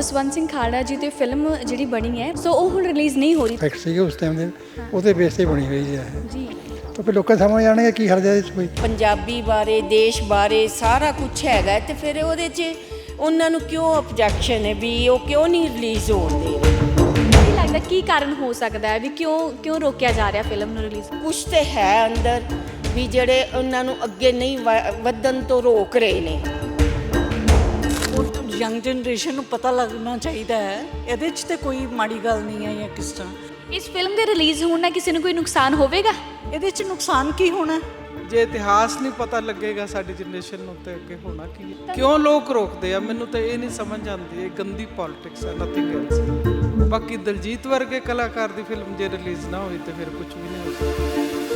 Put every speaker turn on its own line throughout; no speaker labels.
ਜਸਵੰਤ ਸਿੰਘ ਖਾੜਾ ਜੀ ਤੇ ਫਿਲਮ ਜਿਹੜੀ ਬਣੀ ਹੈ ਸੋ ਉਹ ਹੁਣ ਰਿਲੀਜ਼ ਨਹੀਂ ਹੋ ਰਹੀ
ਫੈਕਟ ਸੀਗੇ ਉਸ ਟਾਈਮ ਦੇ ਉਹਦੇ ਬੇਸ ਤੇ ਬਣੀ ਹੋਈ ਹੈ
ਜੀ।
ਤਾਂ ਫਿਰ ਲੋਕਾਂ ਸਮਝ ਜਾਣਗੇ ਕੀ ਹਰਜਾ ਇਸ ਕੋਈ
ਪੰਜਾਬੀ ਬਾਰੇ ਦੇਸ਼ ਬਾਰੇ ਸਾਰਾ ਕੁਝ ਹੈਗਾ ਤੇ ਫਿਰ ਉਹਦੇ 'ਚ ਉਹਨਾਂ ਨੂੰ ਕਿਉਂ ਆਬਜੈਕਸ਼ਨ ਹੈ ਵੀ ਉਹ ਕਿਉਂ ਨਹੀਂ ਰਿਲੀਜ਼ ਹੋਣ ਦੇ ਰਹੇ।
ਕੀ ਲੱਗਦਾ ਕੀ ਕਾਰਨ ਹੋ ਸਕਦਾ ਹੈ ਵੀ ਕਿਉਂ ਰੋਕਿਆ ਜਾ ਰਿਹਾ ਫਿਲਮ ਨੂੰ ਰਿਲੀਜ਼?
ਕੁਛ ਤੇ ਹੈ ਅੰਦਰ ਵੀ ਜਿਹੜੇ ਉਹਨਾਂ ਨੂੰ ਅੱਗੇ ਨਹੀਂ ਵਧਣ ਤੋਂ ਰੋਕ ਰਹੇ ਨੇ।
ਯੰਗ ਜਨਰੇਸ਼ਨ ਨੂੰ ਪਤਾ ਲੱਗਣਾ ਚਾਹੀਦਾ ਹੈ, ਇਹਦੇ 'ਚ ਤੇ ਕੋਈ ਮਾੜੀ ਗੱਲ ਨਹੀਂ ਹੈ ਜਾਂ ਕਿਸ ਤਰ੍ਹਾਂ।
ਇਸ ਫਿਲਮ ਦੇ ਰਿਲੀਜ਼ ਹੋਣ ਨਾਲ ਕਿਸੇ ਨੂੰ ਕੋਈ ਨੁਕਸਾਨ ਹੋਵੇਗਾ?
ਇਹਦੇ 'ਚ ਨੁਕਸਾਨ ਕੀ ਹੋਣਾ?
ਜੇ ਇਤਿਹਾਸ ਨਹੀਂ ਪਤਾ ਲੱਗੇਗਾ ਸਾਡੀ ਜਨਰੇਸ਼ਨ ਨੂੰ ਤੇ ਅੱਗੇ ਹੋਣਾ ਕੀ ਹੈ? ਕਿਉਂ ਲੋਕ ਰੋਕਦੇ ਆ? ਮੈਨੂੰ ਤਾਂ ਇਹ ਨਹੀਂ ਸਮਝ ਆਉਂਦੀ। ਇਹ ਗੰਦੀ ਪੋਲਿਟਿਕਸ ਹੈ, ਨਥਿੰਗ ਐਲਸ। ਬਾਕੀ ਦਲਜੀਤ ਵਰਗੇ ਕਲਾਕਾਰ ਦੀ ਫਿਲਮ ਜੇ ਰਿਲੀਜ਼ ਨਾ ਹੋਈ ਤੇ ਫਿਰ ਕੁਝ ਵੀ ਨਹੀਂ ਹੋ ਸਕਦਾ।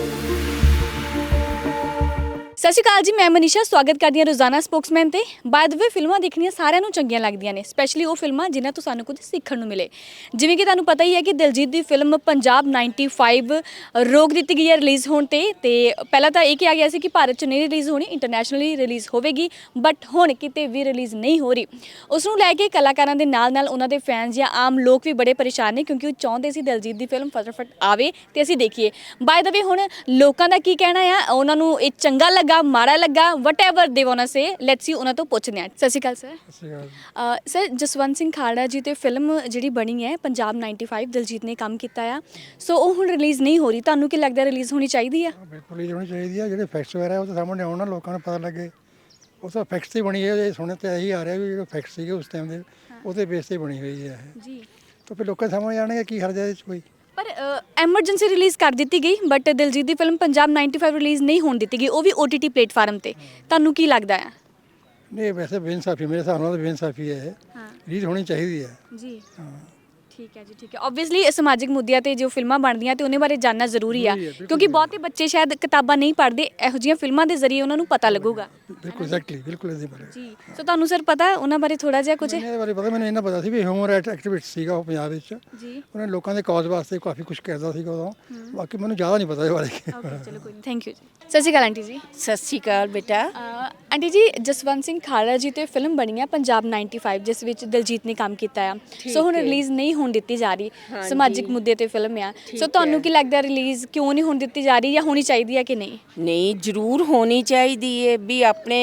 ਸਤਿ ਸ਼੍ਰੀ ਅਕਾਲ ਜੀ, ਮੈਂ ਮਨੀਸ਼ਾ ਸਵਾਗਤ ਕਰਦੀ ਹਾਂ ਰੋਜ਼ਾਨਾ ਸਪੋਕਸਮੈਨ ਤੇ। ਬਾਏ ਦ ਵੇ ਫਿਲਮਾਂ ਦੇਖਣੀਆਂ ਸਾਰਿਆਂ ਨੂੰ ਚੰਗੀਆਂ ਲੱਗਦੀਆਂ ਨੇ, ਸਪੈਸ਼ਲੀ ਉਹ ਫਿਲਮਾਂ ਜਿਨ੍ਹਾਂ ਤੋਂ ਸਾਨੂੰ ਕੁਝ ਸਿੱਖਣ ਨੂੰ ਮਿਲੇ। ਜਿਵੇਂ ਕਿ ਤੁਹਾਨੂੰ ਪਤਾ ਹੀ ਹੈ ਕਿ ਦਿਲਜੀਤ ਦੀ ਫਿਲਮ ਪੰਜਾਬ 95 ਰੋਕ ਦਿੱਤੀ ਗਈ ਹੈ ਰਿਲੀਜ਼ ਹੋਣ ਤੇ ਪਹਿਲਾਂ ਤਾਂ ਇਹ ਕਿਹਾ ਗਿਆ ਸੀ ਕਿ ਭਾਰਤ 'ਚ ਨਹੀਂ ਰਿਲੀਜ਼ ਹੋਣੀ, ਇੰਟਰਨੈਸ਼ਨਲੀ ਰਿਲੀਜ਼ ਹੋਵੇਗੀ, ਬਟ ਹੁਣ ਕਿਤੇ ਵੀ ਰਿਲੀਜ਼ ਨਹੀਂ ਹੋ ਰਹੀ। ਉਸ ਨੂੰ ਲੈ ਕੇ ਕਲਾਕਾਰਾਂ ਦੇ ਨਾਲ ਉਹਨਾਂ ਦੇ ਫੈਨਸ ਜਾਂ ਆਮ ਲੋਕ ਵੀ ਬੜੇ ਪਰੇਸ਼ਾਨ ਨੇ, ਕਿਉਂਕਿ ਉਹ ਚਾਹੁੰਦੇ ਸੀ ਦਿਲਜੀਤ ਦੀ ਫਿਲਮ ਫਟਾਫਟ ਆਵੇ ਤੇ ਅਸੀਂ ਦੇਖੀਏ। ਬਾਏ ਦ ਵੇ ਹੁਣ ਲੋਕਾਂ ਦਾ ਕੀ ਕਹਿਣਾ ਆ, ਉਹਨਾਂ ਨੂੰ ਇਹ ਚੰਗਾ ਲੱਗਾ, ਮਾੜਾ ਲੱਗਾ, whatever they want to say, let's see ਉਹਨਾਂ ਤੋਂ ਪੁੱਛਦੇ ਹਾਂ। ਸਤਿ ਸ਼੍ਰੀ ਅਕਾਲ ਸਰ। ਸਰ ਜਸਵੰਤ ਸਿੰਘ ਖਾੜਾ ਜੀ ਤੇ ਫਿਲਮ ਜਿਹੜੀ ਬਣੀ ਹੈ ਪੰਜਾਬ 95 ਦਿਲਜੀਤ ਨੇ ਕੰਮ ਕੀਤਾ ਆ, ਸੋ ਉਹ ਹੁਣ ਰਿਲੀਜ਼ ਨਹੀਂ ਹੋ ਰਹੀ। ਤੁਹਾਨੂੰ ਕੀ ਲੱਗਦਾ ਰਿਲੀਜ਼ ਹੋਣੀ ਚਾਹੀਦੀ ਆ?
ਬਿਲਕੁਲ ਰਿਲੀਜ਼ ਹੋਣੀ ਚਾਹੀਦੀ ਹੈ। ਜਿਹੜੇ ਫੈਕਟਸ ਵਗੈਰਾ ਉਹ ਤਾਂ ਸਾਹਮਣੇ ਆਉਣ ਨਾ, ਲੋਕਾਂ ਨੂੰ ਪਤਾ ਲੱਗੇ। ਉਹ ਤਾਂ ਫੈਕਟਸ ਤੇ ਬਣੀ ਹੈ, ਸੁਣਨ ਤੇ ਇਹੀ ਆ ਰਿਹਾ ਵੀ ਜਿਹੜੇ ਫੈਕਟਸ ਸੀਗੇ ਉਸ ਟਾਈਮ ਦੇ ਉਹਦੇ ਬੇਸ ਤੇ ਬਣੀ ਹੋਈ ਹੈ
ਜੀ।
ਤਾਂ ਫਿਰ ਲੋਕਾਂ ਸਮਝ ਜਾਣਗੇ ਕੀ ਹਰਜਾ ਇਸ ਕੋਈ।
ਪਰ ਐਮਰਜੈਂਸੀ ਰਿਲੀਜ਼ ਕਰ ਦਿੱਤੀ ਗਈ, ਬਟ ਦਿਲਜੀਤ ਦੀ ਫਿਲਮ ਪੰਜਾਬ 95 ਰਿਲੀਜ਼ ਨਹੀਂ ਹੋਣ ਦਿੱਤੀ ਗਈ, ਉਹ ਵੀ OTT ਪਲੇਟਫਾਰਮ ਤੇ। ਤੁਹਾਨੂੰ ਕੀ ਲੱਗਦਾ ਆ?
ਨਹੀਂ, ਵੈਸੇ ਬੇਇਨਸਾਫੀ ਮੇਰੇ ਹਿਸਾਬ ਨਾਲ ਬੇਇਨਸਾਫੀ ਹੈ।
ਹਾਂ,
ਰਿਲੀਜ਼ ਹੋਣੀ ਚਾਹੀਦੀ ਹੈ
ਜੀ।
ਹਾਂ,
ਠੀਕ ਹੈ ਜੀ, ਠੀਕ ਹੈ। ਓਬਵੀਅਸਲੀ ਸਮਾਜਿਕ ਮੁੱਦਿਆਂ ਤੇ ਜੋ ਫਿਲਮਾਂ ਬਣਦੀਆਂ ਤੇ ਉਹਨੇ ਬਾਰੇ ਜਾਣਨਾ ਜ਼ਰੂਰੀ ਆ, ਕਿਉਂਕਿ ਬਹੁਤੇ ਬੱਚੇ ਸ਼ਾਇਦ ਕਿਤਾਬਾਂ ਨਹੀਂ ਪੜ੍ਹਦੇ, ਇਹੋ ਜਿਹੀਆਂ ਫਿਲਮਾਂ ਦੇ ਜ਼ਰੀਏ ਉਹਨਾਂ ਨੂੰ ਪਤਾ ਲੱਗੂਗਾ।
ਬਿਲਕੁਲ ਐਗਜ਼ੈਕਟਲੀ, ਬਿਲਕੁਲ ਇਹਦੇ ਬਾਰੇ
ਜੀ। ਸੋ ਤੁਹਾਨੂੰ ਸਰ ਪਤਾ ਉਹਨਾਂ ਬਾਰੇ ਥੋੜਾ ਜਿਹਾ ਕੁਝ?
ਇਹਦੇ ਬਾਰੇ ਪਤਾ, ਮੈਨੂੰ ਇਹਨਾਂ ਪਤਾ ਸੀ ਵੀ ਹਿਊਮਨ ਰਾਈਟ ਐਕਟੀਵਿਸਟ ਸੀਗਾ ਉਹ ਪੰਜਾਬ ਵਿੱਚ।
ਜੀ।
ਉਹਨੇ ਲੋਕਾਂ ਦੇ ਕਾਜ਼ ਵਾਸਤੇ ਕਾਫੀ ਕੁਝ ਕਰਦਾ ਸੀਗਾ ਉਦੋਂ। ਬਾਕੀ ਮੈਨੂੰ ਜ਼ਿਆਦਾ ਨਹੀਂ ਪਤਾ ਇਹਦੇ ਬਾਰੇ।
ਓਕੇ, ਚਲੋ ਕੋਈ ਨਹੀਂ, ਥੈਂਕ ਯੂ ਜੀ। ਸਤਿ ਸ਼੍ਰੀ ਅਕਾਲ ਆਂਟੀ ਜੀ।
ਸਤਿ ਸ਼੍ਰੀ ਅਕਾਲ ਬੇਟਾ।
ਆਂਟੀ ਜੀ, ਜਸਵੰਤ ਸਿੰਘ ਖਾੜਾ ਜੀ ਤੇ ਫਿਲਮ ਬਣੀ ਹੈ ਪੰਜਾਬ 95 ਜਿਸ ਵਿੱਚ ਦਿਲਜੀਤ ਨੇ ਕੰਮ ਕੀਤਾ ਆ, ਸੋ ਹੁਣ ਰਿਲੀਜ਼ ਨਹੀਂ ਹੋਣ ਦਿੱਤੀ ਜਾ ਰਹੀ। ਸਮਾਜਿਕ ਮੁੱਦੇ ਤੇ ਫਿਲਮ ਆ, ਸੋ ਤੁਹਾਨੂੰ ਕੀ ਲੱਗਦਾ ਰਿਲੀਜ਼ ਕਿਉਂ ਨਹੀਂ ਹੋਣ ਦਿੱਤੀ ਜਾ ਰਹੀ, ਜਾਂ ਹੋਣੀ ਚਾਹੀਦੀ ਹੈ ਕਿ ਨਹੀਂ?
ਨਹੀਂ, ਜ਼ਰੂਰ ਹੋਣੀ ਚਾਹੀਦੀ ਹੈ ਵੀ ਆਪਣੇ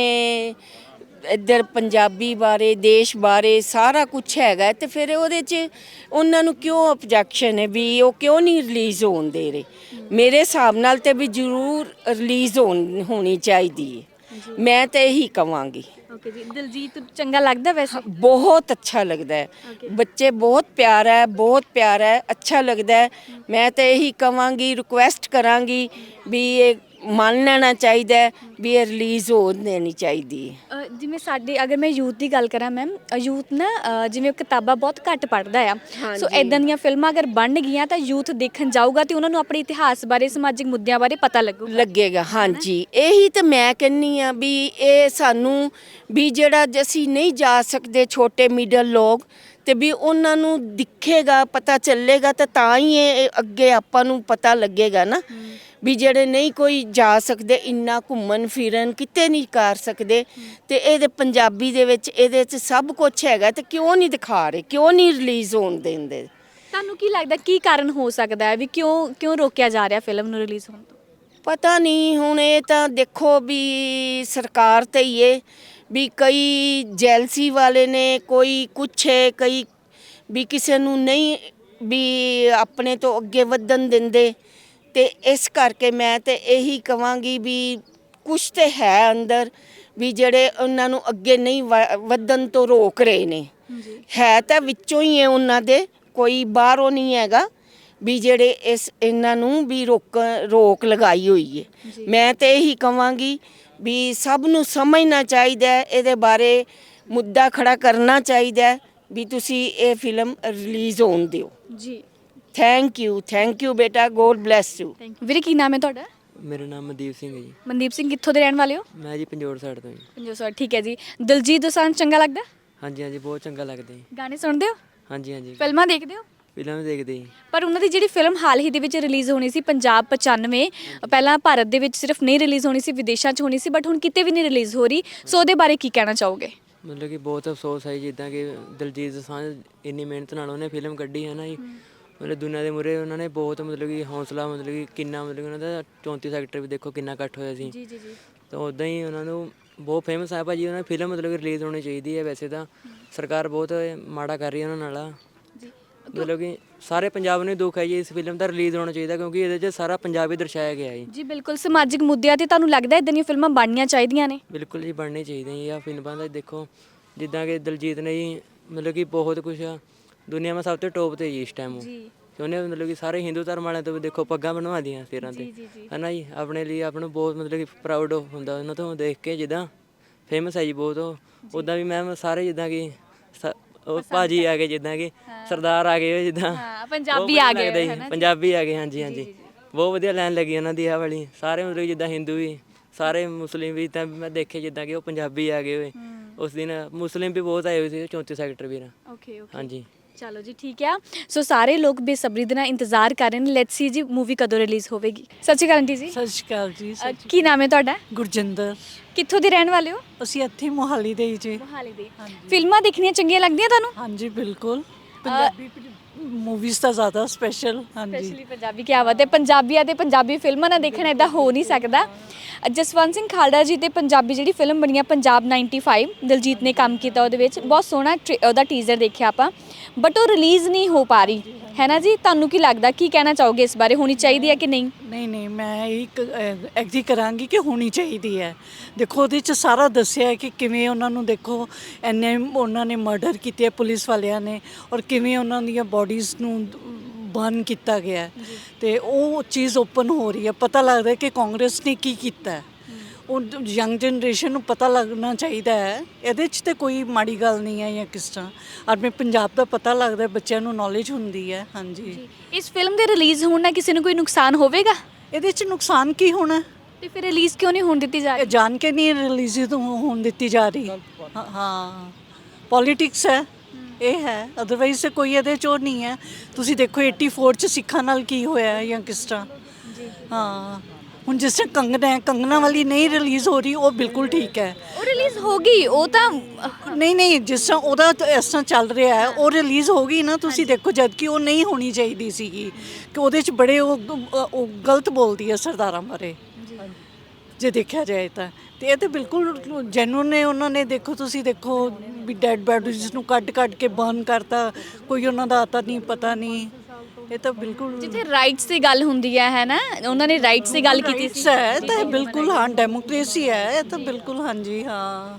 ਇੱਧਰ ਪੰਜਾਬੀ ਬਾਰੇ ਦੇਸ਼ ਬਾਰੇ ਸਾਰਾ ਕੁਝ ਹੈਗਾ ਤੇ ਫਿਰ ਉਹਦੇ 'ਚ ਉਹਨਾਂ ਨੂੰ ਕਿਉਂ ਆਬਜੈਕਸ਼ਨ ਹੈ ਵੀ ਉਹ ਕਿਉਂ ਨਹੀਂ ਰਿਲੀਜ਼ ਹੋਣ ਦੇ ਰਹੇ। ਮੇਰੇ ਹਿਸਾਬ ਨਾਲ ਤੇ ਵੀ ਜ਼ਰੂਰ ਰਿਲੀਜ਼ ਹੋਣੀ ਚਾਹੀਦੀ ਹੈ, ਮੈਂ ਤਾਂ ਇਹੀ ਕਵਾਂਗੀ।
ਓਕੇ ਜੀ। ਦਿਲਜੀਤ ਚੰਗਾ ਲੱਗਦਾ ਵੈਸੇ?
ਬਹੁਤ ਅੱਛਾ ਲੱਗਦਾ ਹੈ, ਬੱਚੇ ਬਹੁਤ ਪਿਆਰਾ ਹੈ, ਬਹੁਤ ਪਿਆਰਾ ਹੈ, ਅੱਛਾ ਲੱਗਦਾ ਹੈ। ਮੈਂ ਤਾਂ ਇਹੀ ਕਵਾਂਗੀ, ਰਿਕੁਐਸਟ ਕਰਾਂਗੀ ਵੀ ਇਹ ਮੰਨ ਲੈਣਾ ਚਾਹੀਦਾ ਹੈ ਵੀ ਇਹ ਰਿਲੀਜ਼ ਹੋ ਦੇਣੀ ਚਾਹੀਦੀ ਹੈ।
ਜਿਵੇਂ ਸਾਡੇ, ਅਗਰ ਮੈਂ ਯੂਥ ਦੀ ਗੱਲ ਕਰਾਂ ਮੈਮ, ਯੂਥ ਨਾ ਜਿਵੇਂ ਕਿਤਾਬਾਂ ਬਹੁਤ ਘੱਟ ਪੜ੍ਹਦਾ ਆ, ਸੋ ਇਦਾਂ ਦੀਆਂ ਫਿਲਮਾਂ ਅਗਰ ਬਣ ਗਈਆਂ ਤਾਂ ਯੂਥ ਦੇਖਣ ਜਾਊਗਾ ਤੇ ਉਹਨਾਂ ਨੂੰ ਆਪਣੇ ਇਤਿਹਾਸ ਬਾਰੇ, ਸਮਾਜਿਕ ਮੁੱਦਿਆਂ ਬਾਰੇ ਪਤਾ
ਲੱਗੇਗਾ। ਹਾਂਜੀ, ਇਹੀ ਤਾਂ ਮੈਂ ਕਹਿੰਦੀ ਆ ਵੀ ਇਹ ਸਾਨੂੰ ਵੀ ਜਿਹੜਾ ਅਸੀਂ ਨਹੀਂ ਜਾ ਸਕਦੇ, ਛੋਟੇ ਮਿਡਲ ਲੋਕ, ਤੇ ਵੀ ਉਹਨਾਂ ਨੂੰ ਦਿਖੇਗਾ, ਪਤਾ ਚੱਲੇਗਾ ਤਾਂ ਹੀ ਇਹ ਅੱਗੇ ਆਪਾਂ ਨੂੰ ਪਤਾ ਲੱਗੇਗਾ ਨਾ। ਵੀ ਜਿਹੜੇ ਨਹੀਂ ਕੋਈ ਜਾ ਸਕਦੇ, ਇੰਨਾ ਘੁੰਮਣ ਫਿਰਨ ਕਿਤੇ ਨਹੀਂ ਕਰ ਸਕਦੇ, ਤੇ ਇਹਦੇ ਪੰਜਾਬੀ ਦੇ ਵਿੱਚ ਇਹਦੇ 'ਚ ਸਭ ਕੁਝ ਹੈਗਾ, ਤੇ ਕਿਉਂ ਨਹੀਂ ਦਿਖਾ ਰਹੇ, ਕਿਉਂ ਨਹੀਂ ਰਿਲੀਜ਼ ਹੋਣ ਦਿੰਦੇ?
ਤੁਹਾਨੂੰ ਕੀ ਲੱਗਦਾ ਕੀ ਕਾਰਨ ਹੋ ਸਕਦਾ ਹੈ ਵੀ ਕਿਉਂ ਰੋਕਿਆ ਜਾ ਰਿਹਾ ਫਿਲਮ ਨੂੰ ਰਿਲੀਜ਼ ਹੋਣ ਤੋਂ?
ਪਤਾ ਨਹੀਂ, ਹੁਣ ਇਹ ਤਾਂ ਦੇਖੋ ਵੀ ਸਰਕਾਰ ਤੇ ਹੀ ਹੈ ਵੀ ਕਈ ਜੈਲਸੀ ਵਾਲੇ ਨੇ, ਕੋਈ ਕੁਛ ਹੈ, ਕਈ ਵੀ ਕਿਸੇ ਨੂੰ ਨਹੀਂ ਵੀ ਆਪਣੇ ਤੋਂ ਅੱਗੇ ਵਧਣ ਦਿੰਦੇ। ਤੇ ਇਸ ਕਰਕੇ ਮੈਂ ਤੇ ਇਹੀ ਕਵਾਂਗੀ ਵੀ ਕੁਛ ਤੇ ਹੈ ਅੰਦਰ ਵੀ ਜਿਹੜੇ ਉਹਨਾਂ ਨੂੰ ਅੱਗੇ ਨਹੀਂ ਵਧਣ ਤੋਂ ਰੋਕ ਰਹੇ ਨੇ। ਹੈ ਤਾਂ ਵਿੱਚੋਂ ਹੀ ਹੈ ਉਹਨਾਂ ਦੇ, ਕੋਈ ਬਾਹਰੋਂ ਨਹੀਂ ਹੈਗਾ ਵੀ ਜਿਹੜੇ ਇਹਨਾਂ ਨੂੰ ਵੀ ਰੋਕ ਲਗਾਈ ਹੋਈ ਹੈ। ਮੈਂ ਤੇ ਇਹੀ ਕਵਾਂਗੀ ਵੀ ਸਭ ਨੂੰ ਸਮਝਣਾ ਚਾਹੀਦਾ, ਇਹਦੇ ਬਾਰੇ ਮੁੱਦਾ ਖੜਾ ਕਰਨਾ ਚਾਹੀਦਾ ਵੀ ਤੁਸੀਂ ਇਹ ਫਿਲਮ ਰਿਲੀਜ਼ ਹੋਣ ਦਿਓ।
ਜੀ।
ਥੈਂਕ ਯੂ ਬੇਟਾ, ਗੋਡ ਬਲੈਸ ਯੂ।
ਵੀਰੇ ਕੀ ਨਾਮ ਹੈ ਤੁਹਾਡਾ?
ਮੇਰਾ ਨਾਮ ਮਨਦੀਪ ਸਿੰਘ ਹੈ ਜੀ।
ਮਨਦੀਪ ਸਿੰਘ, ਕਿੱਥੋਂ ਦੇ ਰਹਿਣ ਵਾਲੇ ਹੋ?
ਮੈਂ ਜੀ ਪੰਜੋੜ ਸਾਈਡ ਤੋਂ ਜੀ।
ਪੰਜੋ ਸੌ, ਠੀਕ ਹੈ ਜੀ। ਦਿਲਜੀਤ ਦੋਸਾਂਝ ਚੰਗਾ ਲੱਗਦਾ?
ਹਾਂਜੀ ਹਾਂਜੀ, ਬਹੁਤ ਚੰਗਾ ਲੱਗਦਾ ਜੀ।
ਗਾਣੇ ਸੁਣਦੇ ਹੋ?
ਹਾਂਜੀ ਹਾਂਜੀ,
ਫਿਲਮਾਂ ਦੇਖਦੇ ਹੋ?
ਫਿਲਮ ਦੇਖਦੇ ਜੀ।
ਪਰ ਉਹਨਾਂ ਦੀ ਜਿਹੜੀ ਫਿਲਮ ਹਾਲ ਹੀ ਦੇ ਵਿੱਚ ਰਿਲੀਜ਼ ਹੋਣੀ ਸੀ ਪੰਜਾਬ 95, ਪਹਿਲਾਂ ਭਾਰਤ ਦੇ ਵਿੱਚ ਸਿਰਫ ਨਹੀਂ ਰਿਲੀਜ਼ ਹੋਣੀ ਸੀ, ਵਿਦੇਸ਼ਾਂ 'ਚ ਹੋਣੀ ਸੀ, ਬਟ ਹੁਣ ਕਿਤੇ ਵੀ ਨਹੀਂ ਰਿਲੀਜ਼ ਹੋ ਰਹੀ, ਸੋ ਉਹਦੇ ਬਾਰੇ ਕੀ ਕਹਿਣਾ ਚਾਹੋਗੇ?
ਮਤਲਬ ਕਿ ਬਹੁਤ ਅਫਸੋਸ ਹੈ ਜਿੱਦਾਂ ਕਿ ਦਿਲਜੀਤ ਦੋਸਾਂਝ ਇੰਨੀ ਮਿਹਨਤ ਨਾਲ ਉਹਨੇ ਫਿਲਮ ਕੱਢੀ ਹੈ ਨਾ ਜੀ। ਮਤਲਬ ਦੁਨੀਆ ਦੇ ਮੂਹਰੇ ਉਹਨਾਂ ਨੇ ਬਹੁਤ ਮਤਲਬ ਕਿ ਹੌਸਲਾ ਮਤਲਬ ਕਿ ਕਿੰਨਾ ਮਤਲਬ ਕਿ ਉਹਨਾਂ ਦਾ 34 ਸੈਕਟਰ ਵੀ ਦੇਖੋ ਕਿੰਨਾ ਇਕੱਠ ਹੋਇਆ ਸੀ।
ਜੀ ਜੀ ਜੀ।
ਤਾਂ ਉੱਦਾਂ ਹੀ ਉਹਨਾਂ ਨੂੰ ਬਹੁਤ ਫੇਮਸ ਹੈ ਭਾਜੀ। ਉਹਨਾਂ ਦੀ ਫਿਲਮ ਮਤਲਬ ਕਿ ਰਿਲੀਜ਼ ਹੋਣੀ ਚਾਹੀਦੀ ਹੈ। ਵੈਸੇ ਤਾਂ ਸਰਕਾਰ ਬਹੁਤ ਮਾੜਾ ਕਰ ਰਹੀ ਹੈ ਉਹਨਾਂ ਨਾਲ।
ਜੀ
ਮਤਲਬ ਕਿ ਸਾਰੇ ਪੰਜਾਬ ਨੂੰ ਦੁੱਖ ਹੈ ਜੀ, ਇਸ ਫਿਲਮ ਦਾ ਰਿਲੀਜ਼ ਹੋਣਾ ਚਾਹੀਦਾ ਕਿਉਂਕਿ ਇਹਦੇ 'ਚ ਸਾਰਾ ਪੰਜਾਬ ਹੀ ਦਰਸਾਇਆ ਗਿਆ ਹੈ।
ਜੀ ਬਿਲਕੁਲ, ਸਮਾਜਿਕ ਮੁੱਦਿਆਂ ਤੇ ਤੁਹਾਨੂੰ ਲੱਗਦਾ ਇਦਾਂ ਦੀਆਂ ਫਿਲਮਾਂ ਬਣਨੀਆਂ ਚਾਹੀਦੀਆਂ ਨੇ?
ਬਿਲਕੁਲ ਜੀ, ਬਣਨੀ ਚਾਹੀਦੀਆਂ ਜੀ। ਆਹ ਫਿਲਮਾਂ ਦਾ ਦੇਖੋ ਜਿੱਦਾਂ ਕਿ ਦਿਲਜੀਤ ਨੇ ਜੀ ਮਤਲਬ ਕਿ ਬਹੁਤ ਕੁਛ ਦੁਨੀਆ ਵਿੱਚ ਸਭ ਤੋਂ ਟੋਪ 'ਤੇ ਜੀ ਇਸ ਟਾਈਮ ਉਹ।
ਜੀ
ਤੇ ਉਹਨੇ ਮਤਲਬ ਕਿ ਸਾਰੇ ਹਿੰਦੂ ਧਰਮ ਵਾਲਿਆਂ ਤੋਂ ਵੀ ਦੇਖੋ ਪੱਗਾਂ ਬਣਵਾ ਦੀਆਂ ਸਿਰਾਂ 'ਤੇ, ਹੈ ਨਾ ਜੀ। ਆਪਣੇ ਲਈ ਆਪ ਨੂੰ ਬਹੁਤ ਮਤਲਬ ਕਿ ਪ੍ਰਾਊਡ ਹੁੰਦਾ ਉਹਨਾਂ ਤੋਂ ਦੇਖ ਕੇ, ਜਿੱਦਾਂ ਫੇਮਸ ਹੈ ਜੀ ਬਹੁਤ ਉਹ। ਉੱਦਾਂ ਵੀ ਮੈਮ ਸਾਰੇ ਜਿੱਦਾਂ ਕਿ ਉਹ ਭਾਜੀ ਆ ਗਏ, ਜਿੱਦਾਂ ਕਿ ਸਰਦਾਰ ਆ ਗਏ ਜਿੱਦਾਂ
ਹਾਂ, ਪੰਜਾਬੀ ਆ ਗਏ
ਲੱਗਦਾ ਜੀ, ਪੰਜਾਬੀ ਆ ਗਏ। ਹਾਂਜੀ ਹਾਂਜੀ, ਬਹੁਤ ਵਧੀਆ ਲਾਈਨ ਲੱਗੀ ਉਹਨਾਂ ਦੀ ਆਹ ਵਾਲੀ। ਸਾਰੇ ਮਤਲਬ ਜਿੱਦਾਂ ਹਿੰਦੂ ਵੀ, ਸਾਰੇ ਮੁਸਲਿਮ ਵੀ, ਤਾਂ ਮੈਂ ਦੇਖੇ ਜਿੱਦਾਂ ਕਿ ਉਹ ਪੰਜਾਬੀ ਆ ਗਏ ਹੋਏ। ਉਸ ਦਿਨ ਮੁਸਲਿਮ ਵੀ ਬਹੁਤ ਆਏ ਹੋਏ ਸੀ 34 ਸੈਕਟਰ ਵੀਰ।
ਓਕੇ ਓਕੇ,
ਹਾਂਜੀ
ਚਲੋ ਜੀ ਠੀਕ ਆ। ਸੋ ਸਾਰੇ ਲੋਕ ਬੇਸਬਰੀ ਦੇ ਨਾਲ ਇੰਤਜ਼ਾਰ ਕਰ ਰਹੇ ਨੇ, ਲੈਟਸ ਸੀ ਜੀ ਮੂਵੀ ਕਦੋਂ ਰਿਲੀਜ਼ ਹੋਵੇਗੀ। ਸਤਿ ਸ਼੍ਰੀ ਅਕਾਲ ਆਂਟੀ ਜੀ।
ਸਤਿ ਸ਼੍ਰੀ ਅਕਾਲ ਜੀ।
ਕੀ ਨਾਮ ਹੈ ਤੁਹਾਡਾ?
ਗੁਰਜਿੰਦਰ।
ਕਿੱਥੋਂ ਦੇ ਰਹਿਣ ਵਾਲੇ ਹੋ?
ਅਸੀਂ ਇੱਥੇ ਮੋਹਾਲੀ ਦੇ ਹੀ ਜੀ।
ਮੋਹਾਲੀ ਦੇ। ਫਿਲਮਾਂ ਦੇਖਣੀਆਂ ਚੰਗੀਆਂ ਲੱਗਦੀਆਂ ਤੁਹਾਨੂੰ?
ਹਾਂਜੀ ਬਿਲਕੁਲ, ਪੰਜਾਬੀ ਮੂਵੀਜ਼ ਤਾਂ ਜ਼ਿਆਦਾ ਸਪੈਸ਼ਲ। ਹਾਂਜੀ
ਸਪੈਸ਼ਲੀ ਪੰਜਾਬੀ। ਕੀ ਬਾਤ ਹੈ, ਪੰਜਾਬੀਆਂ ਤੇ ਪੰਜਾਬੀ ਫਿਲਮਾਂ ਨਾ ਦੇਖਣਾ ਇਦਾਂ ਹੋ ਨਹੀਂ ਸਕਦਾ। ਜਸਵੰਤ ਸਿੰਘ ਖਾਲੜਾ ਜੀ ਤੇ ਪੰਜਾਬੀ ਜਿਹੜੀ ਫਿਲਮ ਬਣੀ ਆ ਪੰਜਾਬ 95, ਦਿਲਜੀਤ ਨੇ ਕੰਮ ਕੀਤਾ ਉਹਦੇ ਵਿੱਚ। ਬਹੁਤ ਸੋਹਣਾ ਉਹਦਾ ਟੀਜ਼ਰ ਦੇਖਿਆ ਆਪਾਂ, ਬਟ ਉਹ ਰਿਲੀਜ਼ ਨਹੀਂ ਹੋ ਪਾ ਰਹੀ ਹੈ ਨਾ ਜੀ। ਤੁਹਾਨੂੰ ਕੀ ਲੱਗਦਾ, ਕੀ ਕਹਿਣਾ ਚਾਹੋਗੇ ਇਸ ਬਾਰੇ? ਹੋਣੀ ਚਾਹੀਦੀ ਹੈ ਕਿ ਨਹੀਂ?
ਨਹੀਂ, ਮੈਂ ਇੱਕ ਐਗਰੀ ਕਰਾਂਗੀ ਕਿ ਹੋਣੀ ਚਾਹੀਦੀ ਹੈ। ਦੇਖੋ ਉਹਦੇ 'ਚ ਸਾਰਾ ਦੱਸਿਆ ਹੈ ਕਿ ਕਿਵੇਂ ਉਹਨਾਂ ਨੂੰ ਦੇਖੋ ਇੰਨੇ ਉਹਨਾਂ ਨੇ ਮਰਡਰ ਕੀਤੇ ਪੁਲਿਸ ਵਾਲਿਆਂ ਨੇ, ਔਰ ਕਿਵੇਂ ਉਹਨਾਂ ਦੀਆਂ ਬੋਡੀਜ਼ ਨੂੰ ਬਰਨ ਕੀਤਾ ਗਿਆ, ਤੇ ਉਹ ਚੀਜ਼ ਓਪਨ ਹੋ ਰਹੀ ਹੈ। ਪਤਾ ਲੱਗਦਾ ਹੈ ਕਿ ਕਾਂਗਰਸ ਨੇ ਕੀ ਕੀਤਾ ਹੈ। ਉਹ ਯੰਗ ਜਨਰੇਸ਼ਨ ਨੂੰ ਪਤਾ ਲੱਗਣਾ ਚਾਹੀਦਾ ਹੈ। ਇਹਦੇ 'ਚ ਤੇ ਕੋਈ ਮਾੜੀ ਗੱਲ ਨਹੀਂ ਹੈ ਜਾਂ ਕਿਸ ਤਰ੍ਹਾਂ। ਆਪਣੇ ਪੰਜਾਬ ਦਾ ਪਤਾ ਲੱਗਦਾ, ਬੱਚਿਆਂ ਨੂੰ ਨੌਲੇਜ ਹੁੰਦੀ ਹੈ। ਹਾਂਜੀ,
ਇਸ ਫਿਲਮ ਦੇ ਰਿਲੀਜ਼ ਹੋਣ ਨਾਲ ਕਿਸੇ ਨੂੰ ਕੋਈ ਨੁਕਸਾਨ ਹੋਵੇਗਾ?
ਇਹਦੇ 'ਚ ਨੁਕਸਾਨ ਕੀ ਹੋਣਾ?
ਤੇ ਫਿਰ ਰਿਲੀਜ਼ ਕਿਉਂ ਨਹੀਂ ਹੋਣ ਦਿੱਤੀ ਜਾ
ਇਹ
ਰਹੀ?
ਜਾਣ ਕੇ ਨਹੀਂ ਰਿਲੀਜ਼ ਹੋਣ ਦਿੱਤੀ ਜਾ ਰਹੀ। ਹਾਂ, ਪੋਲੀਟਿਕਸ ਹੈ ਇਹ ਹੈ, ਅਦਰਵਾਈਜ਼ ਕੋਈ ਇਹਦੇ 'ਚ ਉਹ ਨਹੀਂ ਹੈ। ਤੁਸੀਂ ਦੇਖੋ 84 'ਚ ਸਿੱਖਾਂ ਨਾਲ ਕੀ ਹੋਇਆ ਜਾਂ ਕਿਸ ਤਰ੍ਹਾਂ। ਹਾਂ, ਹੁਣ ਜਿਸ ਤਰ੍ਹਾਂ ਕੰਗਨਾ ਵਾਲੀ ਨਹੀਂ ਰਿਲੀਜ਼ ਹੋ ਰਹੀ, ਉਹ ਬਿਲਕੁਲ ਠੀਕ ਹੈ।
ਉਹ ਰਿਲੀਜ਼ ਹੋ ਗਈ, ਉਹ ਤਾਂ
ਨਹੀਂ, ਜਿਸ ਤਰ੍ਹਾਂ ਉਹਦਾ ਇਸ ਤਰ੍ਹਾਂ ਚੱਲ ਰਿਹਾ ਹੈ, ਉਹ ਰਿਲੀਜ਼ ਹੋ ਗਈ ਨਾ। ਤੁਸੀਂ ਦੇਖੋ ਜਦ ਕਿ ਉਹ ਨਹੀਂ ਹੋਣੀ ਚਾਹੀਦੀ ਸੀਗੀ, ਕਿ ਉਹਦੇ 'ਚ ਬੜੇ ਉਹ ਗਲਤ ਬੋਲਦੀ ਹੈ ਸਰਦਾਰਾਂ ਬਾਰੇ ਜੇ ਦੇਖਿਆ ਜਾਏ ਤਾਂ। ਤੇ ਇਹ ਤਾਂ ਬਿਲਕੁਲ ਜੈਨੂਨ ਨੇ। ਉਹਨਾਂ ਨੇ ਦੇਖੋ, ਤੁਸੀਂ ਦੇਖੋ ਵੀ ਡੈਡ ਬੈਡੀਜ਼ ਨੂੰ ਕੱਢ ਕੇ ਬਰਨ ਕਰਤਾ, ਕੋਈ ਉਹਨਾਂ ਦਾ ਆਤਾ ਨਹੀਂ ਪਤਾ ਨਹੀਂ। ਇਹ ਤਾਂ ਬਿਲਕੁਲ
ਜਿੱਥੇ ਰਾਈਟਸ ਦੀ ਗੱਲ ਹੁੰਦੀ ਹੈ ਨਾ, ਉਹਨਾਂ ਨੇ ਰਾਈਟਸ ਦੀ ਗੱਲ ਕੀਤੀ ਸੀ।
ਹੈ ਤਾਂ ਇਹ ਬਿਲਕੁਲ ਹਾਂ ਡੈਮੋਕ੍ਰੇਸੀ ਹੈ ਇਹ ਤਾਂ ਬਿਲਕੁਲ। ਹਾਂਜੀ ਹਾਂ।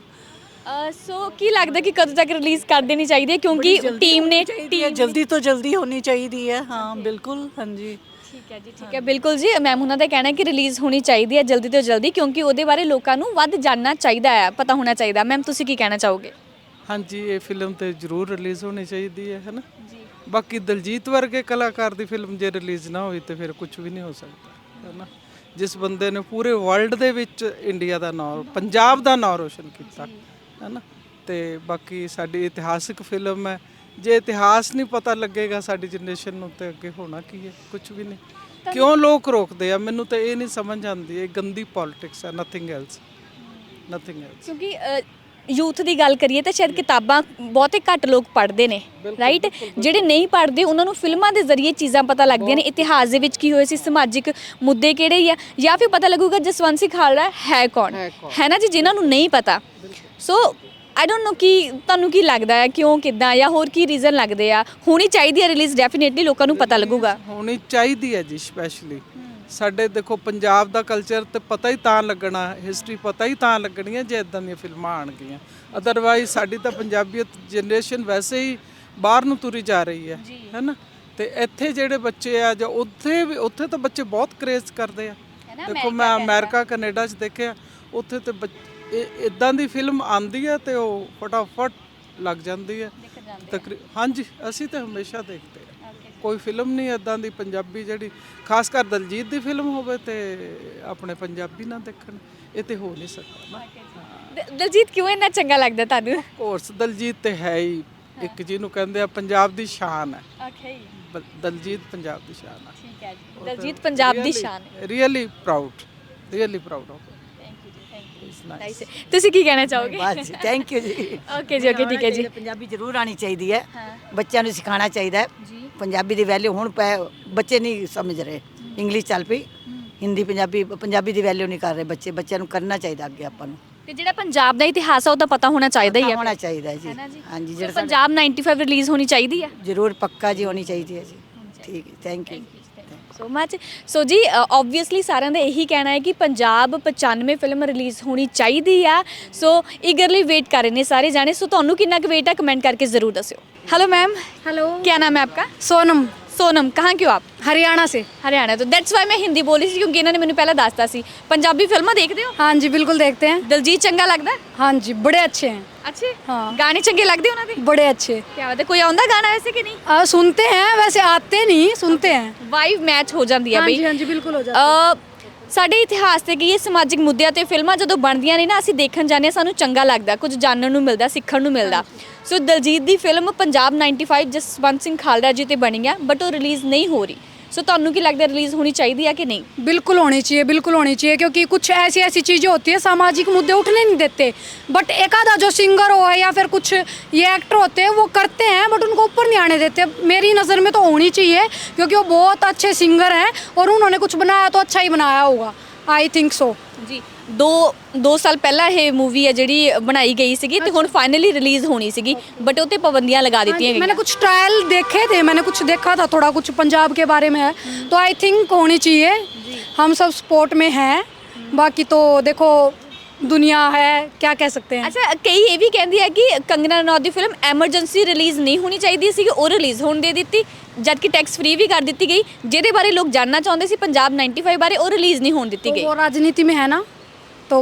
ਸੋ ਕੀ ਲੱਗਦਾ ਕਿ ਕਦੋਂ ਤੱਕ ਰਿਲੀਜ਼ ਕਰ ਦੇਣੀ ਚਾਹੀਦੀ ਹੈ? ਕਿਉਂਕਿ ਟੀਮ ਨੇ
ਜਲਦੀ ਤੋਂ ਜਲਦੀ ਹੋਣੀ ਚਾਹੀਦੀ ਹੈ। ਹਾਂ ਬਿਲਕੁਲ। ਹਾਂਜੀ
ਠੀਕ ਹੈ ਜੀ, ਠੀਕ ਹੈ, ਬਿਲਕੁਲ ਜੀ। ਮੈਮ ਉਹਨਾਂ ਦਾ ਕਹਿਣਾ ਕਿ ਰਿਲੀਜ਼ ਹੋਣੀ ਚਾਹੀਦੀ ਹੈ ਜਲਦੀ ਤੋਂ ਜਲਦੀ, ਕਿਉਂਕਿ ਉਹਦੇ ਬਾਰੇ ਲੋਕਾਂ ਨੂੰ ਵੱਧ ਜਾਣਨਾ ਚਾਹੀਦਾ ਹੈ, ਪਤਾ ਹੋਣਾ ਚਾਹੀਦਾ। ਮੈਮ ਤੁਸੀਂ ਕੀ ਕਹਿਣਾ ਚਾਹੋਗੇ?
ਹਾਂਜੀ, ਇਹ ਫਿਲਮ ਤੇ ਜ਼ਰੂਰ ਰਿਲੀਜ਼ ਹੋਣੀ ਚਾਹੀਦੀ ਹੈ ਨਾ ਜੀ। ਬਾਕੀ ਦਿਲਜੀਤ ਵਰਗੇ ਕਲਾਕਾਰ ਦੀ ਫਿਲਮ ਜੇ ਰਿਲੀਜ਼ ਨਾ ਹੋਈ ਤੇ ਫਿਰ ਕੁਝ ਵੀ ਨਹੀਂ ਹੋ ਸਕਦਾ, ਹੈ ਨਾ। ਜਿਸ ਬੰਦੇ ਨੇ ਪੂਰੇ ਵਰਲਡ ਦੇ ਵਿੱਚ ਇੰਡੀਆ ਦਾ ਨਾਂ, ਪੰਜਾਬ ਦਾ ਨਾਂ ਰੋਸ਼ਨ ਕੀਤਾ, ਹੈ ਨਾ। ਤੇ ਬਾਕੀ ਸਾਡੀ ਇਤਿਹਾਸਿਕ ਫਿਲਮ ਹੈ। ਜੇ ਇਤਿਹਾਸ ਨਹੀਂ ਪਤਾ ਲੱਗੇਗਾ ਸਾਡੀ ਜਨਰੇਸ਼ਨ ਨੂੰ ਤੇ ਅੱਗੇ ਹੋਣਾ ਕੀ ਹੈ? ਕੁਝ ਵੀ ਨਹੀਂ। ਕਿਉਂ ਲੋਕ ਰੋਕਦੇ ਆ, ਮੈਨੂੰ ਤਾਂ ਇਹ ਨਹੀਂ ਸਮਝ ਆਉਂਦੀ। ਇਹ ਗੰਦੀ ਪੋਲਿਟਿਕਸ ਹੈ, ਨਥਿੰਗ ਐਲਸ, ਨਥਿੰਗ ਐਲਸ।
ਕਿਉਂਕਿ ਯੂਥ ਦੀ ਗੱਲ ਕਰੀਏ ਤਾਂ ਸ਼ਾਇਦ ਕਿਤਾਬਾਂ ਬਹੁਤੇ ਘੱਟ ਲੋਕ ਪੜ੍ਹਦੇ ਨੇ, ਰਾਈਟ। ਜਿਹੜੇ ਨਹੀਂ ਪੜ੍ਹਦੇ ਉਹਨਾਂ ਨੂੰ ਫਿਲਮਾਂ ਦੇ ਜ਼ਰੀਏ ਚੀਜ਼ਾਂ ਪਤਾ ਲੱਗਦੀਆਂ ਨੇ, ਇਤਿਹਾਸ ਦੇ ਵਿੱਚ ਕੀ ਹੋਇਆ ਸੀ, ਸਮਾਜਿਕ ਮੁੱਦੇ ਕਿਹੜੇ ਆ, ਜਾਂ ਫਿਰ ਪਤਾ ਲੱਗੂਗਾ ਜਸਵੰਤ ਸਿੰਘ ਖਾਲੜਾ ਹੈ ਕੌਣ, ਹੈ ਨਾ ਜੀ, ਜਿਨ੍ਹਾਂ ਨੂੰ ਨਹੀਂ ਪਤਾ। ਸੋ ਆਈ ਡੋਂਟ ਨੋ ਕਿ ਤੁਹਾਨੂੰ ਕੀ ਲੱਗਦਾ ਹੈ, ਕਿਉਂ, ਕਿੱਦਾਂ, ਜਾਂ ਹੋਰ ਕੀ ਰੀਜ਼ਨ ਲੱਗਦੇ ਆ? ਹੋਣੀ ਚਾਹੀਦੀ ਹੈ ਰਿਲੀਜ਼, ਡੈਫੀਨੇਟਲੀ ਲੋਕਾਂ ਨੂੰ ਪਤਾ ਲੱਗੂਗਾ।
ਹੋਣੀ ਚਾਹੀਦੀ ਹੈ ਜੀ। ਸਪੈਸ਼ਲੀ ਸਾਡੇ ਦੇਖੋ ਪੰਜਾਬ ਦਾ ਕਲਚਰ ਤੇ ਪਤਾ ਹੀ ਤਾਂ ਲੱਗਣਾ, ਹਿਸਟਰੀ ਪਤਾ ਹੀ ਤਾਂ ਲੱਗਣੀ ਹੈ ਜੇ ਇਦਾਂ ਦੀਆਂ ਫਿਲਮਾਂ ਆਉਣਗੀਆਂ। ਅਦਰਵਾਈਜ਼ ਸਾਡੀ ਤਾਂ ਪੰਜਾਬੀਅਤ ਜਨਰੇਸ਼ਨ ਵੈਸੇ ਹੀ ਬਾਹਰ ਨੂੰ ਤੁਰੀ ਜਾ ਰਹੀ ਹੈ, ਹੈ ਨਾ। ਤੇ ਇੱਥੇ ਜਿਹੜੇ ਬੱਚੇ ਆ ਜਾਂ ਉੱਥੇ ਤਾਂ ਬੱਚੇ ਬਹੁਤ ਕਰੇਜ਼ ਕਰਦੇ ਆ। ਦੇਖੋ ਮੈਂ ਅਮਰੀਕਾ ਕੈਨੇਡਾ 'ਚ ਦੇਖਿਆ, ਉੱਥੇ ਤੇ ਇਦਾਂ ਦੀ ਫਿਲਮ ਆਉਂਦੀ ਹੈ ਤੇ ਉਹ ਫਟਾਫਟ ਲੱਗ ਜਾਂਦੀ ਹੈ। ਹਾਂਜੀ, ਅਸੀਂ ਤਾਂ ਹਮੇਸ਼ਾ ਦੇਖਦੇ ਹਾਂ। ਕੋਈ ਫਿਲਮ ਨਹੀਂ ਇਦਾਂ ਦੀ ਪੰਜਾਬੀ ਜਿਹੜੀ ਖਾਸ ਕਰ ਦਿਲਜੀਤ ਦੀ ਫਿਲਮ ਹੋਵੇ ਤੇ ਆਪਣੇ ਪੰਜਾਬੀ ਨਾ ਦੇਖਣ, ਇਹ ਤੇ ਹੋ ਨਹੀਂ ਸਕਦਾ ਨਾ।
ਦਿਲਜੀਤ ਕਿਉਂ ਇੰਨਾ ਚੰਗਾ ਲੱਗਦਾ ਤੁਹਾਨੂੰ?
ਕੋਰਸ ਦਿਲਜੀਤ ਤੇ ਹੈ ਹੀ ਇੱਕ, ਜਿਹਨੂੰ ਕਹਿੰਦੇ ਆ ਪੰਜਾਬ ਦੀ ਸ਼ਾਨ ਹੈ।
ਓਕੇ,
ਦਿਲਜੀਤ ਪੰਜਾਬ ਦੀ ਸ਼ਾਨ ਹੈ।
ਠੀਕ ਹੈ ਜੀ, ਦਿਲਜੀਤ ਪੰਜਾਬ ਦੀ ਸ਼ਾਨ ਹੈ।
Really proud, really proud of.
Nice ਤੁਸੀਂ ਕੀ ਕਹਿਣਾ ਚਾਹੋਗੇ
ਬਸ ਥੈਂਕ ਯੂ ਜੀ
ਓਕੇ ਜੀ ਓਕੇ ਠੀਕ ਹੈ ਜੀ
ਪੰਜਾਬੀ ਜ਼ਰੂਰ ਆਣੀ ਚਾਹੀਦੀ ਹੈ ਬੱਚਿਆਂ ਨੂੰ ਸਿਖਾਉਣਾ ਚਾਹੀਦਾ ਹੈ ਪੰਜਾਬੀ ਦੀ ਵੈਲਿਊ ਹੁਣ ਬੱਚੇ ਨਹੀਂ ਸਮਝ ਰਹੇ ਇੰਗਲਿਸ਼ ਚੱਲ ਪਈ ਹਿੰਦੀ ਪੰਜਾਬੀ ਦੀ ਵੈਲਿਊ ਨਹੀਂ ਕਰ ਰਹੇ ਬੱਚਿਆਂ ਨੂੰ ਕਰਨਾ ਚਾਹੀਦਾ ਅੱਗੇ ਆਪਾਂ ਨੂੰ
ਤੇ ਜਿਹੜਾ ਪੰਜਾਬ ਦਾ ਇਤਿਹਾਸ ਆ ਉਹ ਤਾਂ ਪਤਾ ਹੋਣਾ ਚਾਹੀਦਾ ਹੀ ਹੈ
ਹੋਣਾ ਚਾਹੀਦਾ ਹੈ ਜੀ ਹਾਂਜੀ ਜਿਹੜਾ
ਪੰਜਾਬ 95 ਰਿਲੀਜ਼ ਹੋਣੀ ਚਾਹੀਦੀ ਹੈ
ਜ਼ਰੂਰ ਪੱਕਾ ਜੀ ਹੋਣੀ ਚਾਹੀਦੀ ਹੈ ਜੀ ਠੀਕ ਹੈ thank you
so much so ਜੀ ਆਬਵੀਅਸਲੀ ਸਾਰਿਆਂ ਦਾ ਇਹੀ ਕਹਿਣਾ ਹੈ ਕਿ ਪੰਜਾਬ 95 ਫਿਲਮ ਰਿਲੀਜ਼ ਹੋਣੀ ਚਾਹੀਦੀ ਆ ਸੋ ਈਗਰਲੀ ਵੇਟ ਕਰ ਰਹੇ ਨੇ ਸਾਰੇ ਜਾਣੇ ਸੋ ਤੁਹਾਨੂੰ ਕਿੰਨਾ ਕੁ ਵੇਟ ਹੈ ਕਮੈਂਟ करके ज़रूर दस्यो हेलो मैम
हेलो
क्या नाम है आपका
सोनम
सोनम कहाँ के हो आप
हरियाणा से
हरियाणा तो दैट्स वाई मैं हिंदी बोली सी क्योंकि इन्होंने मैंने पहले दसता सी पंजाबी फिल्मां देखते हो
हाँ जी बिल्कुल देखते हैं
दिलजीत चंगा लगता है
हाँ जी बड़े अच्छे हैं
अच्छे
हाँ।
गाने चंगे लगते उन्हों दे
बड़े अच्छे
क्या बात है कोई आंदा गाना वैसे कि नहीं
सुनते हैं वैसे आते नहीं सुनते हैं
वाइब मैच हो जाती है
हाँ
बई
जी हाँ जी बिल्कुल हो जाता है
ਸਾਡੇ ਇਤਿਹਾਸ ਤੇ ਕੀ ਸਮਾਜਿਕ ਮੁੱਦਿਆਂ ਤੇ ਫਿਲਮਾਂ ਜਦੋਂ ਬਣਦੀਆਂ ਨੇ ਨਾ ਅਸੀਂ ਦੇਖਣ ਜਾਂਦੇ ਹਾਂ ਸਾਨੂੰ ਚੰਗਾ ਲੱਗਦਾ ਕੁਝ ਜਾਣਨ ਨੂੰ ਮਿਲਦਾ ਸਿੱਖਣ ਨੂੰ ਮਿਲਦਾ ਸੋ ਦਲਜੀਤ ਦੀ ਫਿਲਮ ਪੰਜਾਬ 95 ਜਸਵੰਤ ਸਿੰਘ ਖਾਲੜਾ ਜੀ ਤੇ ਬਣੀ ਆ ਬਟ ਉਹ ਰਿਲੀਜ਼ ਨਹੀਂ ਹੋ ਰਹੀ सो ਤੁਹਾਨੂੰ ਕੀ ਲੱਗਦਾ ਰਿਲੀਜ਼ ਹੋਣੀ ਚਾਹੀਦੀ ਹੈ कि नहीं
बिल्कुल होनी चाहिए क्योंकि कुछ ऐसी ऐसी चीज़ें होती है सामाजिक मुद्दे उठने नहीं देते बट एक आधा जो सिंगर हो या फिर कुछ ये एक्टर होते हैं वो करते हैं बट उनको ऊपर नहीं आने देते मेरी नज़र में तो होनी चाहिए क्योंकि वो बहुत अच्छे सिंगर हैं और उन्होंने कुछ बनाया तो अच्छा ही बनाया होगा आई थिंक सो
जी दो साल पहला ये मूवी है जी बनाई गई सी तो हुण फाइनली रिलीज़ होनी सी बट उते पाबंदियां लगा दी गई
मैंने कुछ ट्रायल देखे थे मैंने कुछ देखा था थोड़ा कुछ पंजाब के बारे में है तो आई थिंक होनी चाहिए हम सब स्पोर्ट में हैं बाकी तो देखो दुनिया है क्या कह सकते हैं
अच्छा कई ये भी कहती है कि कंगना रनौत की फिल्म एमरजेंसी रिलीज़ नहीं होनी चाहिए सी वो रिलीज़ होने दे दी जबकि टैक्स फ्री भी कर दी गई जिहदे बारे लोग जानना चाहते सी पंजाब 95 बारे वो रिलीज़ नहीं होने दी गई
वो राजनीति में है ना तो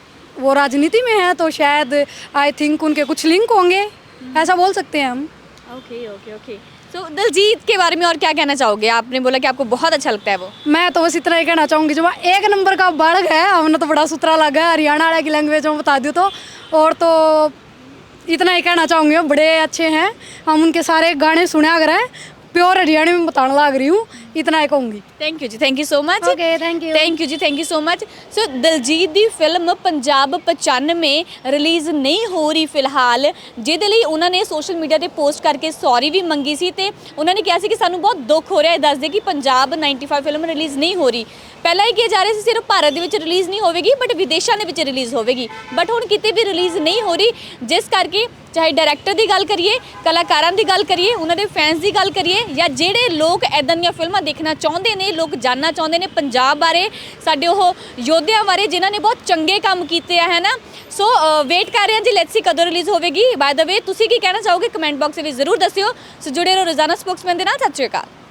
वो राजनीति में है तो शायद आई थिंक उनके कुछ लिंक होंगे ऐसा बोल सकते हैं हम
okay okay okay so Diljit के बारे में और क्या कहना चाहोगे आपने बोला कि आपको बहुत अच्छा लगता है वो
मैं तो बस इतना ही कहना चाहूँगी जो एक नंबर का बालक है हमने तो बड़ा सुथरा लगा है हरियाणा वाला की लैंग्वेज में बता दूँ तो और तो इतना ही कहना चाहूँगी बड़े अच्छे हैं हम उनके सारे गाने सुने अगर हैं प्योर हरियाणा में बताने लग रही हूँ इतना ही कहूँगी
थैंक यू जी thank you so much
okay thank you
जी thank you so much so Diljit ਦੀ ਫਿਲਮ ਪੰਜਾਬ 95 ਰਿਲੀਜ਼ ਨਹੀਂ ਹੋ ਰਹੀ ਫਿਲਹਾਲ ਜਿਹਦੇ ਲਈ ਉਹਨਾਂ ਨੇ ਸੋਸ਼ਲ ਮੀਡੀਆ ਤੇ ਪੋਸਟ ਕਰਕੇ ਸੌਰੀ ਵੀ ਮੰਗੀ ਸੀ ਤੇ ਉਹਨਾਂ ਨੇ ਕਿਹਾ ਸੀ ਕਿ ਸਾਨੂੰ ਬਹੁਤ ਦੁੱਖ ਹੋ ਰਿਹਾ ਹੈ ਦੱਸਦੇ ਕਿ ਪੰਜਾਬ 95 ਫਿਲਮ ਰਿਲੀਜ਼ ਨਹੀਂ ਹੋ ਰਹੀ ਪਹਿਲਾਂ ਹੀ ਕਿਹਾ ਜਾ ਰਿਹਾ ਸੀ ਸਿਰਫ ਭਾਰਤ ਦੇ ਵਿੱਚ ਰਿਲੀਜ਼ ਨਹੀਂ ਹੋਵੇਗੀ ਬਟ ਵਿਦੇਸ਼ਾਂ ਦੇ ਵਿੱਚ ਰਿਲੀਜ਼ ਹੋਵੇਗੀ ਬਟ ਹੁਣ ਕਿਤੇ ਵੀ ਰਿਲੀਜ਼ ਨਹੀਂ ਹੋ ਰਹੀ ਜਿਸ ਕਰਕੇ ਚਾਹੇ ਡਾਇਰੈਕਟਰ ਦੀ ਗੱਲ ਕਰੀਏ ਕਲਾਕਾਰਾਂ ਦੀ ਗੱਲ ਕਰੀਏ ਉਹਨਾਂ ਦੇ ਫੈਨਸ ਦੀ ਗੱਲ ਕਰੀਏ ਜਾਂ ਜਿਹੜੇ ਲੋਕ ਐਦਾਂ ਦੀਆਂ ਫਿਲਮਾਂ ਦੇਖਣਾ ਚਾਹੁੰਦੇ ਨੇ ਲੋਕ ਜਾਨਣਾ ਚਾਹੁੰਦੇ ਨੇ ਪੰਜਾਬ ਬਾਰੇ ਸਾਡੇ ਉਹ ਯੋਧਿਆਂ ਬਾਰੇ ਜਿਨ੍ਹਾਂ ਨੇ ਬਹੁਤ ਚੰਗੇ ਕੰਮ ਕੀਤੇ ਆ ਹੈ ਨਾ ਸੋ ਵੇਟ ਕਰ ਰਹੇ ਹਾਂ ਜੀ ਲੈਟਸ ਸੀ ਕਦੋਂ ਰਿਲੀਜ਼ ਹੋਵੇਗੀ ਬਾਏ ਦ ਵੇ ਤੁਸੀਂ ਕੀ ਕਹਿਣਾ ਚਾਹੋਗੇ ਕਮੈਂਟ ਬਾਕਸ ਵਿੱਚ ਜ਼ਰੂਰ ਦੱਸਿਓ ਸੋ ਜੁੜੇ ਰਹੋ ਰੋਜ਼ਾਨਾ ਸਪੋਕਸਮੈਨ ਦੇ ਨਾਲ ਸਤਿ ਸ਼੍ਰੀ ਅਕਾਲ